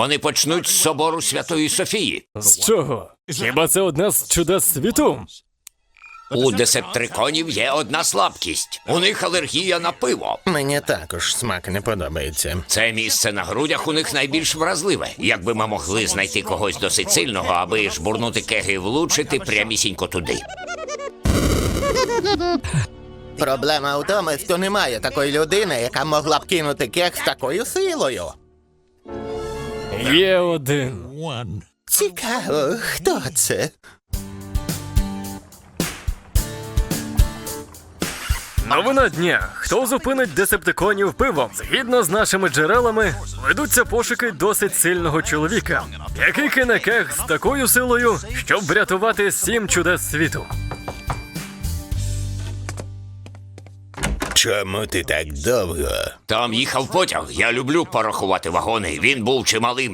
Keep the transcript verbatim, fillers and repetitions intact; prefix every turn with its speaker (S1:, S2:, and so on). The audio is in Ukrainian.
S1: Вони почнуть з собору Святої Софії.
S2: З чого? Хіба це одна з чудес світу?
S1: У десептриконів є одна слабкість. У них алергія на пиво.
S3: Мені також смак не подобається.
S1: Це місце на грудях у них найбільш вразливе. Якби ми могли знайти когось досить сильного, аби жбурнути кеги і влучити прямісінько туди.
S3: Проблема в тому, що немає такої людини, яка могла б кинути кег з такою силою.
S2: Є один.
S3: Цікаво, хто це?
S2: Новина дня. Хто зупинить десептиконів пивом? Згідно з нашими джерелами, ведуться пошуки досить сильного чоловіка, який кине кег з такою силою, щоб врятувати сім чудес світу.
S3: Чому ти так довго?
S1: Там їхав потяг. Я люблю порахувати вагони. Він був чималим.